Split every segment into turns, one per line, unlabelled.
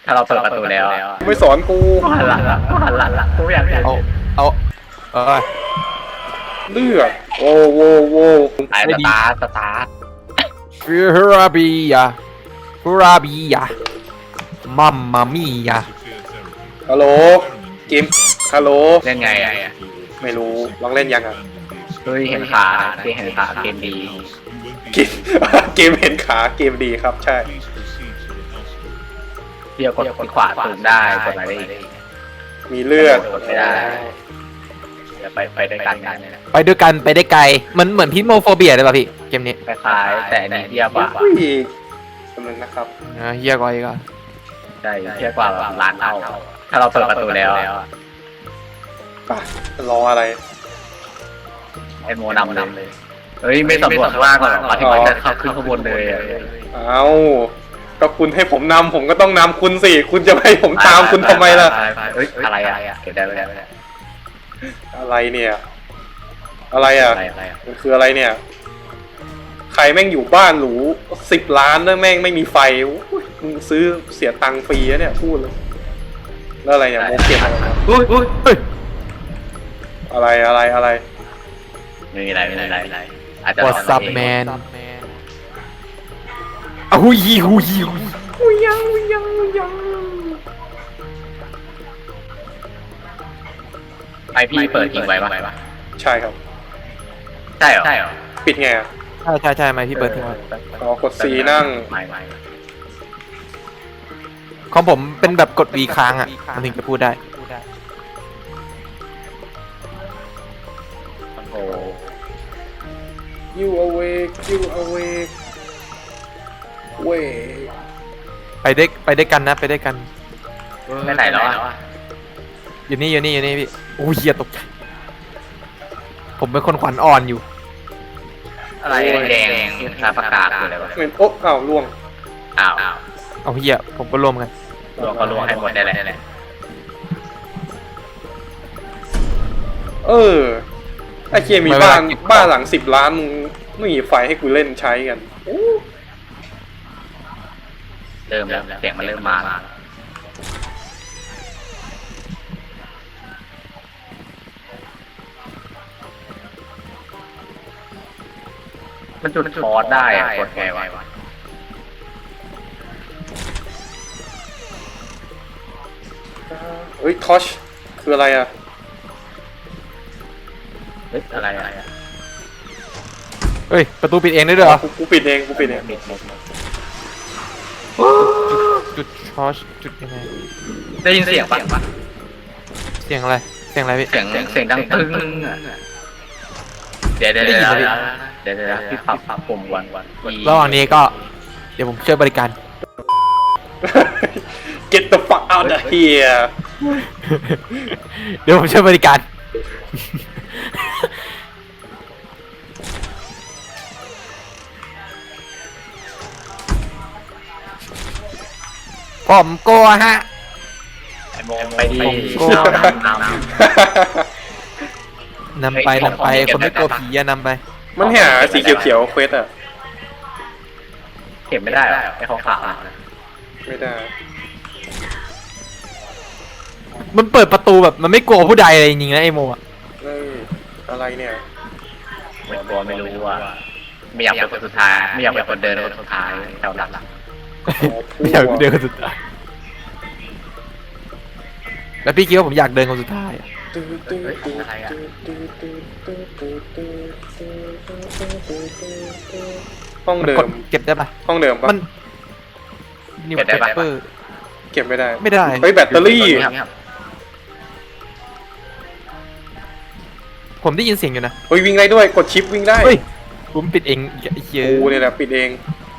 ถ้าเราเปิดประตูแล้ว
ไม่สอนกู
หันหลังละหันหลังละกูอยากเห็น
เอา
เลือดโอ้โวโว
ไอ้สตาร์ท
ฟิราบียามัมมามี่ยา
ฮัลโหลเกมฮัลโหล
เล่นไงอ่ะ
ไม่รู้ลองเล่นยังอ่ะ
เฮ้ยเห็นขาเห็นขาเกมดี
เกม เกมเห็นขาเกมดีครับใช่
เดียวกดขวาสูงได้กดอะไรได้อีก
มีเลือด
กดไม่ได้เดี๋ยวไปด้วยกันนะ
ไปด้วยกันไปได้ไกลมันเหมือนพิษโมโฟเบียเลยป่ะพี่เกมนี้
คล้ายๆแต่อันนี้เทียบกว่า
อุ้ยกำลังนะครับ
เฮียกว่าอีกอ่ะ
ใช่เทียบกว่าแบบล้านเท่าถ้าเราเปิดประตูแล้ว
ป่ะรออะไร
ไอโมนำเลยเฮ้ยไม่สำรวจข้างล่างก่อนหรอปฏิบัติจะเข้าขึ้นข้างบนเลย
เอาก็คุณให้ผมนำผมก็ต้องนำคุณสิคุณจะให้ผมตามคุณทำไมล่ะ
เฮ้ยอะไรอ่ะเก็บได้ไหม
อะไรเนี่ย อะไรอ่ะ
อะไรอ่ะ
มันคืออะไรเนี่ย ใครแม่งอยู่บ้านหรู10 ล้านแล้วแม่งไม่มีไฟอุ๊ยมึงซื้อเสียตังค์ฟรีอะเนี่ยพูดเลยแล้วอะไรเนี่ยโมเก็บอะไรนะ
อุ้ย
อะไร
ไม่มีอะไรอาจจะ
วอทซับแมนอะฮูยี
ไอพี่เปิดทิ้งไว้ปะ
ใช่ครับ
ใช่เหรอ
ปิดไงอะ
ใช่ไหมพี่เปิดทิ้งไว้
อ๋อกด C นั่ง
ไม่
ของผมเป็นแบบกด V ค้างอ่ะมันถึงจะพูดได้
โอ้
you awakeเว้ย
ไปได้กันนะไปได้กัน
ไม่ไหนแล้วอ่ะ
อยู่นี่พี่โอ้ยเฮียตกใจผมเป็นคนขวัญอ่อนอยู่
อะไรแดงลาประกาศคืออะไรวะ
เหมือนโอ๊ะอ้าวล่วง
อ้าว
เอาเฮียผมก็ร่วมกัน
รวมก็รวมให้หมดได้แหละ
ไอ้เคียมีบ้านหลัง10 ล้านมึงไม่มีไฟให้กูเล่นใช้กัน
เริ่มแล้วเสียงมันเริ่มมาแล้วมันจุดฟอสได้อะกดไงวะ
เฮ้ยทอชคืออะไรอ่ะ
เฮ้ยอะไรอะ
เฮ้ยประตูปิดเองได้ด้วยเหรอ
กูปิดเอง
ปิด
จุดชอชจุดยังไง
ได้ยินเสียงปะ
เสียงอะไรพี่
เสียงดังตึ้งเดี๋ยวพี่ปรับปุ่มวัน
ระหว่างนี้ก็เดี๋ยวผมช่วยบริการ
Get the fuck out of here
เดี๋ยวผมช่วยบริการผมกลัวฮะ
ไอโมไปดี
นำไปคนไม่กลัวผีอะนำไป
มันหาสีเขียวๆเควสอ่ะ
เก็บไม่ได้ไอของขาว
ไม่ได้
มันเปิดประตูแบบมันไม่กลัวผู้ใดเลยจริงๆนะไอโมอะ
เฮ้ยอะไรเนี่ย
ไม่กลัวไม่รู้ว่าไม่อยากเป็นคนสุดท้ายไม่อยากเป็นคนเดินคนสุดท้ายแถวหลัง
ไม่อยากเดินคนสุดท้ายแล้วพี่คิดว่าผมอยากเดินคนสุดท้ายอะ
ห้องเดิม
เก็บได้ปะ
ห้องเดิมปะ
มันนิวเปเปอร์
เก็บไม่ได้
ไม่ได้
เฮ้ยแบตเตอรี่
ผมได้ยินเสียงอยู่นะ
เฮ้ยวิ่งได้ด้วยกดชิปวิ่งได้
เฮ้ยผมปิดเองไอ้เหี้ย
กูเนี่ยแหละปิดเอง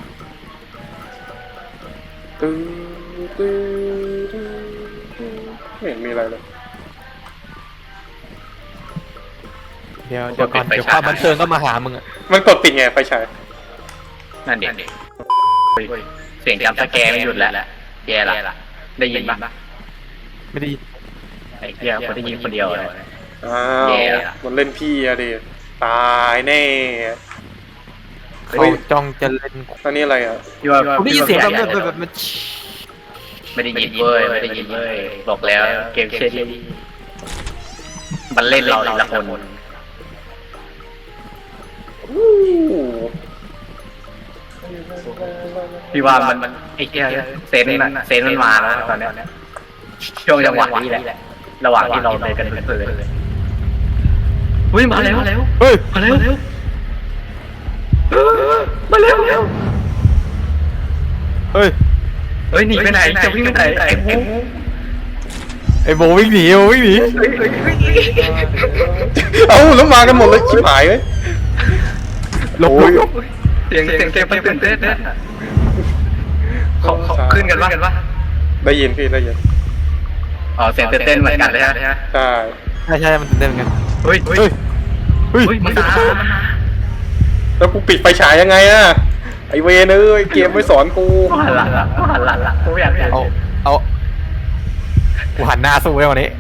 ไม่เห็นมีอะไรเลย
เดี๋ยวก่อนเดี๋ยวความบันเทิงก็มาหามึงอะ
มันกดปิดไงไฟฉาย
นั่นเด็กเสียงจำสแกไม่หยุดแล้วแย่ละได้ยินปะ
ไม่ได้ยิน
ไอ้เหี้ยคนได้ยินคนเดียวเลย
อ้าวมันเล่นพี่อะดิตายแน่
เขาจ้องจะเล่น
อันนี้อะไรอ่ะ
ผมได้ยินเสียงแบบมัน
ไม่ได้ยินเว้ยไม่ได้ยินเว้ยบอกแล้วเกมเชดลี่มันเล่นเราละคน
อู้
พี่ว่ามันไอ้เหี้ยเซนมันมาแล้วตอนเนี้ยช่วงจังหวะนี้แหละระหว่างที่เราเดินกันเพลินๆเฮ้ยมาแล้ว
เฮ้ย
มาแล้วมาแล้ว
เฮ้ย
เฮ้ยหนีไปไหนจะวิ่งไปไหนไอ้โม
ไอ้โบวิ่งหนีโบวิ่งหนี
เอ้าแล้วมากันหมดเลยชิบหายเลย
หลบ
เสียงมันตื่นเต้นเขาขึ้นกันว่า
ได้ยินพี่ได้ยิน
อ๋อเสียงตื่นเต้นเหมือนกันเลยฮะ
ใช่
ใช่มันตื่นเต้นเหมือนกัน
เฮ้ย มันมา
แล้วกูปิดไฟฉายยังไงอะไอเวนเอ้ยเกมไม่สอนกู
หันหลังกูอยาก
เอากูหันหน้าสู้ไว้วันนี้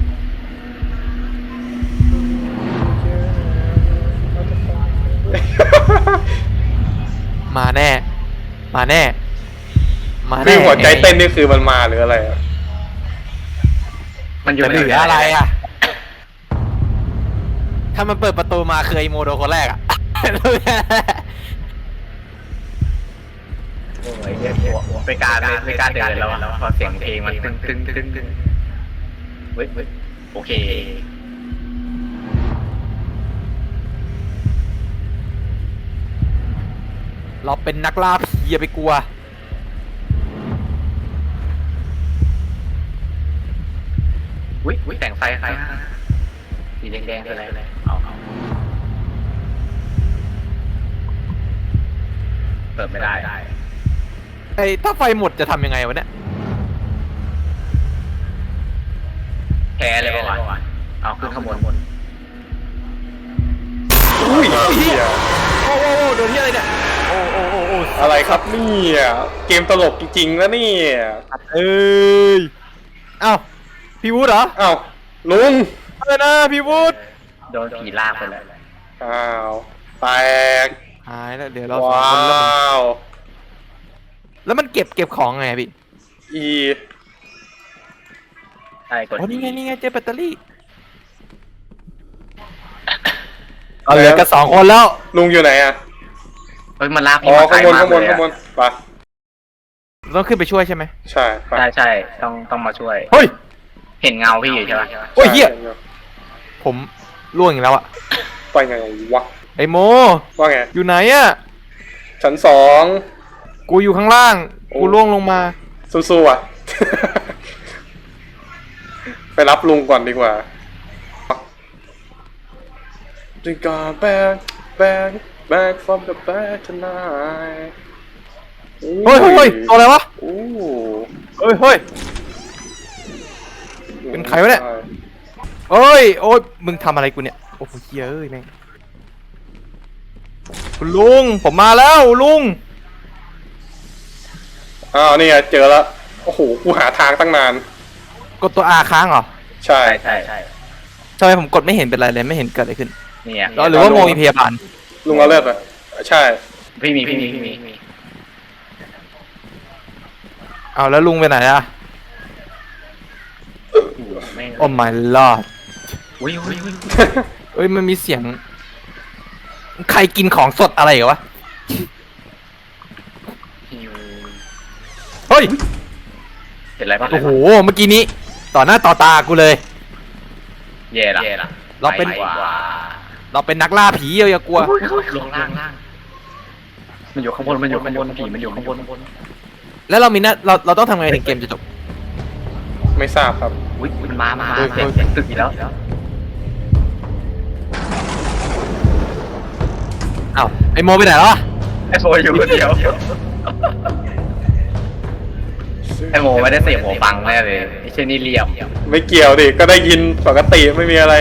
มาแน่
คือหัวใจเต้นนี่คือมันมาหรืออะไรอะ
มันอยู่
จะเหลืออะไรอ่ะ ถ้ามันเปิดประตูมาคือไอโมโดคนแรกอ่ะ
โอ้ยไม่กล้าเดินแล้วพอเสียงเพลงมันตึ้งเฮ้ยโอเค
เราเป็นนักล่าผีอย่าไปกลัว
อุ้ยแต่งไฟใครสีแดงคืออะไรเอาเปิดไม่ได้
ไอ้ถ้าไฟหมดจะทำยังไงวะเนี่ย
แพ้เลยป่ะวะเอาขึ้นข้างบน
อุ้ยเหี้ย
โอ้โดนที่อะไรเนี่ยโอ้
อะไรครับเนี่ยเกมตลกจริงๆแล้วเนี่ย
เอ้ยเอ้าพี่วูดเหรอ
อ้าวลุง
อะไรนะพี่วูด
โดนผีลากไปแล้ว
อ้าวแตก
หายแล้วเดี๋ยวเราสอง
ว้า
คน
ว
แล้วมันเก็บของไงพี่
อี
ใช่กด
โอ้นี่ไงเจอแบตเตอรี่เอาเหลือกัน2 คนแล้ว
ลุงอยู่ไหนอะ
เฮ้ยมันลาก
อ๋อข้างบนไป
ต้องขึ้นไปช่วยใช่ไหม
ใช่ไป
ใช่ต้องมาช่วย
เฮ้ย
เห็นเงาพี่อยู่ใช่ไหม
โอ้ยเหี้ยผมล่วงอีกแล้วอะ
ไปไงวะ
ไอโม
ว่าไง
อยู่ไหนอะ
ชั้น2
กูอยู่ข้างล่าง กูล่วงลงมา
สู้ๆอ่ะ ไปรับลุงก่อนดีกว่า We got back from the back tonight
เฮ้ยตัวอะไรวะ
โอ้
เฮ้ย เป็นใครวะเนี่ย โอ้ยมึงทำอะไรกูเนี่ย โอ้โหเฮ้ยแม่งคุณลุง ผมมาแล้วลุง
อ้าวนี่ไงเจอแล้ว โอ้โห กูหาทางตั้งนาน
กดตัว R ค้างเหรอ
ใช่
ใช่
ทำไมผมกดไม่เห็นเป็นไรเลยไม่เห็นเกิดอะไรขึ้น
เนี่ย
หรือว่าโมมีพยาบาล
ลุงเอาเลือดไปใช่
พี่มี
เอาแล้วลุงไปไหนอะโอ้ my lord
อุ้ย
เอ้ยมันมีเสียง ใครกินของสดอะไรเหรอวะ เฮ้ย
เห็นอะไรปะ
โอ้โห เมื่อกี้นี้ ต่อหน้าต่อตากูเลย
แย่ละ
เราเป็นนักล่าผีอย่ากลัว
ลงล่างมันอยู่ข้างบนผีมันอยู่ข้างบน
แล้วเรามีหน้าเราต้องทำไงถึงเกมจะจบ
ไม่ทราบครับ
อุ้ยมันมาเสียงตึกอีกแล้ว
อ้าวไอโมไปไหนแล้ววะ
ไอโฟอยู่คนเดียวไอโมไม่ได้เสียงหัวฟังแน่เลยไอเช่นนี่เหลี่ยม
ไม่เกี่ยวดิ ก็ได้ยินปกติไม่มีอะไร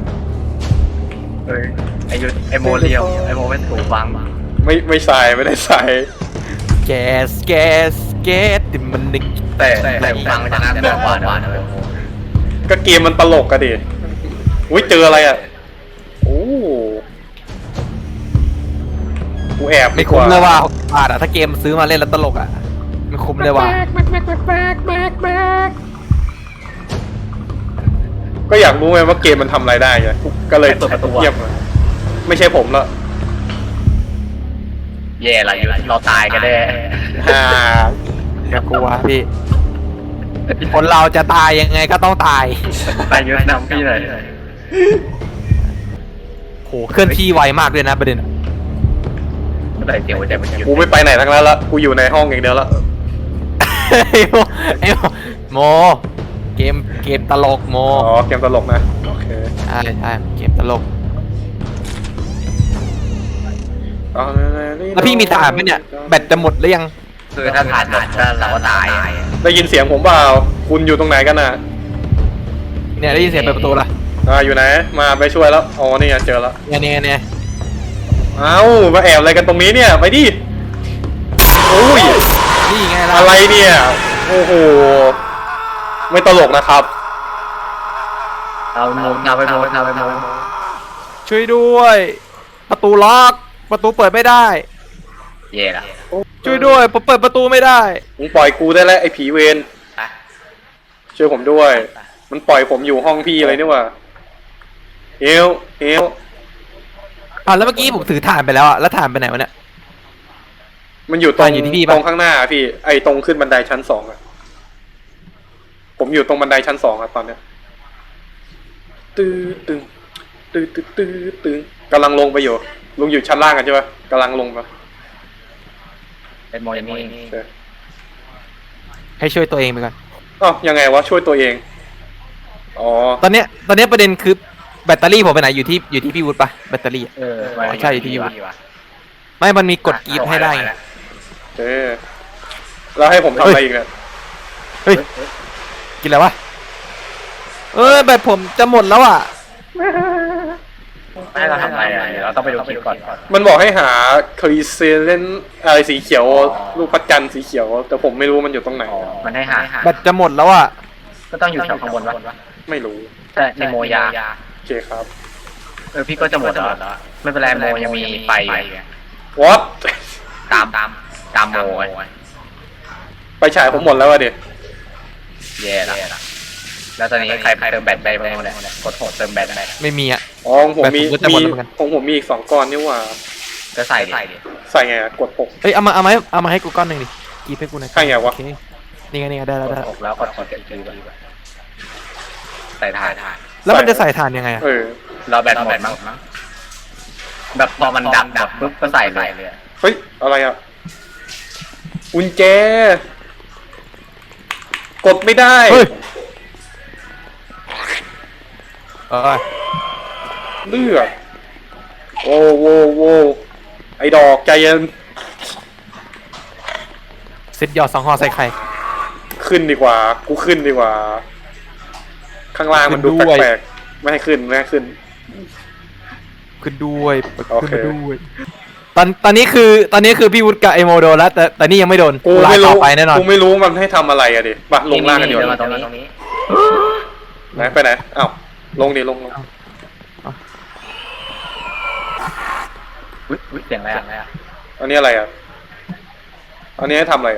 ไอโมเหลี่ยมไอโมไม่ถูกฟัง
ไม่ใส่ไม่ได้ใส่
แกสติมันนึก
แต่ฟังจะน่าเบื่อหวานเลย
ก็เกมมันตลกอะดิ อุ้ยเจออะไรอะโอ้กูแอบ
ไม่คุ้มเลยว่าบาทอะถ้าเกมซื้อมาเล่นแล้วตลกอะมันคุ้มเลยว่ะ
ก็อยากรู้ไงว่าเกมมันทำอะไรได้ไงก็เลยเงียบเลยไม่ใช่ผมละ
แย่อะไรอยู่เราตายกันแน่
อ่า
อย่ากลัวพี่ คนเราจะตายยังไงก็ต้องตาย
ไปยืนนำพี่เลย
โหเคลื่อนที่ไวมากเลยนะประเด็น
เมื่อไหร่เดี๋ยวจะมันหยุด
กูไม่ไปไหนทั้งนั้นละกูอยู่ในห้องอย่างเดียวละ
ไอ้โมเกมตลกโม
อ๋อเกมตลกนะโอเค
ใช่เกมตลกแล้วพี่มีถ่านไหมเนี่ยแบตจะหมดหรือยัง
คือถ้าผ่านหมดก็เราก็ตาย
ได้ยินเสียงผมเปล่าคุณอยู่ตรงไหนกันน่ะ
เนี่ยได้ยินเสียงเปิดประตูละ
อยู่ไหนมาไปช่วยแล้วอ๋อนี่ไงเจอแล้ว
เนี่ย
เอ้ามาแอบอะไรกันตรงนี้เนี่ยไปดิโอ้ย
นี่ไงล่ะ
อะไรเนี่ยโอ้โหไม่ตลกนะครับ
เอาไปโมเอาไปโมเอาไปโม
ช่วยด้วย ประตูล็อกประตูเปิดไม่ได้
แย่ละ
ช่วยด้วยผมเปิดประตูไม่ได้
มึงปล่อยกูได้แล้วไอ้ผีเวรช่วยผมด้วย มันปล่อยผมอยู่ห้องพี่อะไรนี่หว่าเฮล
แล้วเมื่อกี้ผมถือถ่านไปแล้วอะแล้วถ่านไปไหนวะเนี่ย
มันอยู่ตรง
อยู่ที่พี่ปะ
ตรงข้างหน้าพี่ไอ้ตรงขึ้นบันไดชั้น 2อะผมอยู่ตรงบันไดชั้น 2อะตอนเนี้ยตื้อตึงตึงกำลังลงไปอยู่ลุงอยู่ชั้นล่างกันใช่ปะกำลังลงมา
เป็นโมอย่างนี้
โอเค
ให้ช่วยตัวเองไปก่อน
อ้าวยังไงวะช่วยตัวเองอ๋อ
ตอนเนี้ยประเด็นคือแบตเตอรี่ผมไปไหนอยู่ที่พี่วุฒิปะแบตเตอรี่อะ ใช่ที่อยู่ ไม่มันมีกดกรีดให้ได้ไง
เออแล้วให้ผมทำอะไรอีกเนี่ย
เฮ้ยกินแล้ววะแบตผมจะหมดแล้วอ่ะ
ให้เราทำอะไรอ่ะเดี๋ยวเราต้องไปดูคลิปก่อน
มันบอกให้หาคลีเซเลนอะไรสีเขียวลูกพัดจันทร์สีเขียวแต่ผมไม่รู้มันอยู่ตรงไหน
มันให้หา
แบตจะหมดแล้วอ่ะ
ก็ต้องอยู่แถวข้างบนวะ
ไม่รู้
ใช่ในโมยา
โอเคครับ
พี่ก็จะหมดแล้วไม่เป็นไรโมยังมีไฟอยู่
what
ตามโมไง
ไปฉายผมหมดแล้วอะเด็ก
แย่ละแล้วตอนนี้ใครเติมแบตไปบ้างเนี่ยกดโหดเติมแบตไป
ไม่มีอ่ะ
อ๋อผมมี
แบบผมก็จะหมดแล้วเหมือนกัน
ผมมีอีก2 ก้อนนี่หว่า
ก็ใส่ดิ
ใส่ไงอะกดปก
เอ้ยเอามาให้กูก้อนหนึ่งดิกรีดให้กูหน่อย
ให้ไงวะ
โอเคนี่ไงได้
กดอกแล้วกดเก็บชื่อใส่ถ่าน
แล้วมันจะใส่ถ่านยังไงอ่ะ
เราแบตหมดมั้งแบบพอมันดับปุ๊บก็ใส่เลย
เฮ้ยอะไรอะกุญแจกดไม่ได้
เฮ้ย
เลือดโว้ไอ้ดอกใจเย็น
เซ็ตหยอด2 ห่อใส่ไข่
ขึ้นดีกว่ากูขึ้นดีกว่า ข้างล่างมันดู
ขึ้นด้วย
แปลกๆไม่ให้ขึ้น
ขึ้นด้วย
โอเค
ขึ้นมาด้วยตอนนี้คือพี่วุฒิกับไอโมโดนแล้วแต่นี่ยังไม่โดน
กู
ลา
ไม่
ต่
รู้
อไปแน่นอน
กูไม่รู้มันให้ทำอะไรอะดิมาลงล่างกันดีก
เดินมา
ว่า
ตรงนี้
ไหนไปไหนอ้าวลงดิลง
อุ๊ยเสียงอะไรอ่ะ
อันนี้อะไรอ่ะอันนี้ให้ทำอะไรอะ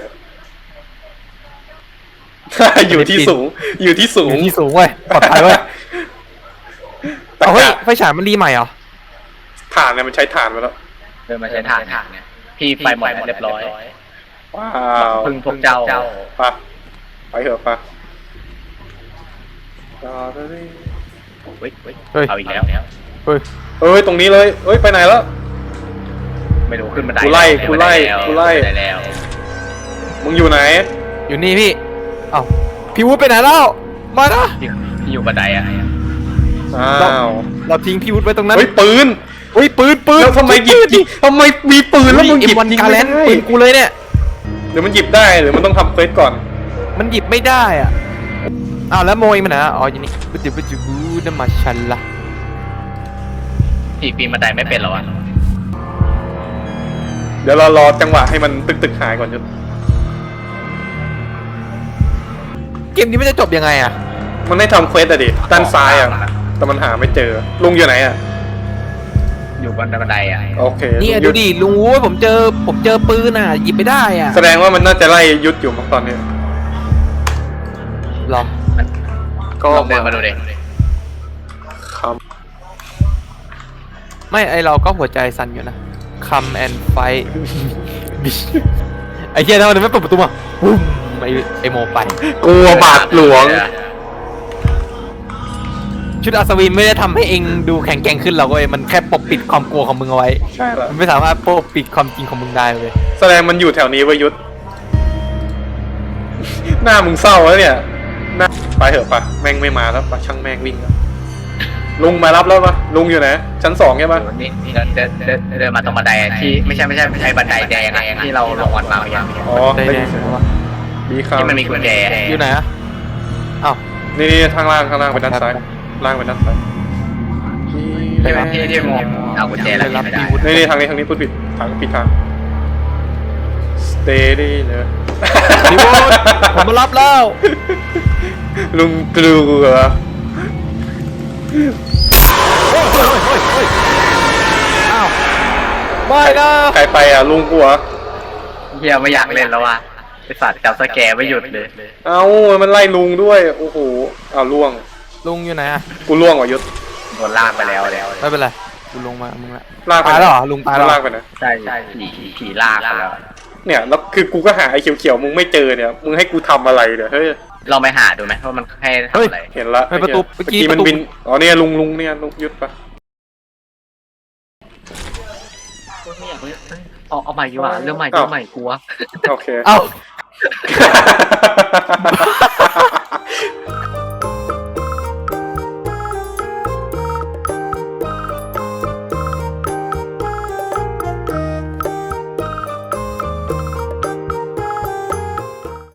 อยู่ที่สูง
อยู่ที่สูงเว้ยปลอดภัยเว้ย
แต่
เอาเฮ้ยไฟฉายมันรีใหม่เหรอ
ถ่านเนี่ยมันใช้ถ่านไปแล้ว
เดินมาใช้ถ่านเนี่ยพี่ไฟหมดเรียบร้อย
ว้าว
พึ่งพวกเจ้า
ไปเถอะปะ
เอาอีกแล้ว
เฮ้ย
เอ้ยตรงนี้เลยเอ้ยไปไหนแล้ว
ไม่รู้ขึ้นบันได
กูไล่
แล้ว
มึงอยู่ไหน
อยู่นี่พี่เอ้าพี่วุฒิไปไหนแล้วมานะ
ที่อยู่บันไดอ่ะ
อ้าว
เราทิ้งพี่วุฒิไว้ตรงนั้น
เฮ้ยปืน
เฮ้ยปืน
แล้วทำไมหยิบทำไมมีปืนแล้วมึงหยิบ
วัน
ยิง
กา
ไม่
แล
ได้
นปืนกูเลยเนี่ย
หรือมันหยิบได้หรือมันต้องทำเควสก่อน
มันหยิบไม่ได้อ่ะอ้าวแล้วโมยมันนะอ๋ออยู่นี่บุจิบูน้ำมาชันละ
พี่ปีนบันไดไม่เป็นหรอวะ
เดี๋ยวเรารอจังหวะให้มันตึกหายก่อนจุด
เกมนี้มันจะจบยังไงอ่ะ
มันให้ทำเควสอะดิด้านซ้ายอะแต่มันหาไม่เจอลุงอยู่ไหนอะ
อยู่บนบันไดอ่ะ
โอเค
เนี่ย
ยุ
ดูดิลุงโว้ยผมเจอปืนอ่ะหยิบไม่ได้อ่ะ
แสดงว่ามันน่าจะไล่ยุดอยู่มั้งตอนนี้
หรอ
ก็
ลองเดินมาดูดิ
ครับ
ไม่ไอเราก็หัวใจสั่นอยู่นะ come and fight ไอเหี้ยทำไมไม่เปิดประตูมาปุ้มไอโมไป
กลัวบาทหลวง
ชุดอัศวินไม่ได้ทำให้เองดูแข็งแกร่งขึ้นหรอกเว้ยมันแค่ปกปิดความกลัวของมึงเอาไว้
ใช่ละ
มันไม่สามารถปกปิดความจริงของมึงได้เว้ย
แสดงมันอยู่แถวนี้เว้ยยุทธ หน้ามึงเศร้าแล้วเนี่ยหน้าไปเถอะปะแม่งไม่มาแล้วปะช่างแม่งวิ่งแล้วลุงมารับแล้วปะลุงอยู่ไหนชั้น2ใช่ปะ
นี่เดินมาตรงบันไดที่ไม่ใช่บันไดแดงอะที่เราลงวันมาอย่าง
อ๋อ
ได้
ได้
แด
ยิ
ง
นเสียง
วะ
มีข่าว
ที่มันมีกุญแจ
อยู่ไหนอะอ้าว
นี่ทางล่างไปด้านซ้ายล่างไปด้านซ้าย
ที่มองเอากุญแจแล้วไม่ได้
นี่ทางนี้พูดผิดผิดทาง steady เนอะ
พี่วุฒิผมมารับแล้ว
ลุงกลัว
อ้าวไม่นะ
ใครไปอ่ะลุงกลัว
เฮียไม่อยากเล่นแล้วว่ะไอสัตว์จับสแกร์ไม่หยุดเลย
เอ้ามันไล่ลุงด้วยโอ้โหอ้าวล่วง
ลุงอยู่ไหนอะ
กูล่วงว่ะยุทธ
โดนลากไปแล้ว
ไม่เป็นไรกูลงมามึงละ
ลากไป
ตายแล้วเหรอลุงตายแล้วเหรอ
ลากไปนะ
ใช่ผีลากไปแล้ว
เนี่ยแล้วคือกูก็หาไอ้เขียวๆมึงไม่เจอเนี่ยมึงให้กูทำอะไรเนี่ยเฮ้ย
ลองไปหาดูไหมว่ามันให้ทำอะไร
เห็นละ
ไม่ประตู
เมื่อ
เมื่อกี้
กี้มัน
ประตู
บินอ๋อเนี่ยลุงเนี่ยลุงยุทธปะ
เอาใหม่ดีกว่าเรื่องใหม่กลัว
โอเค
เอ้า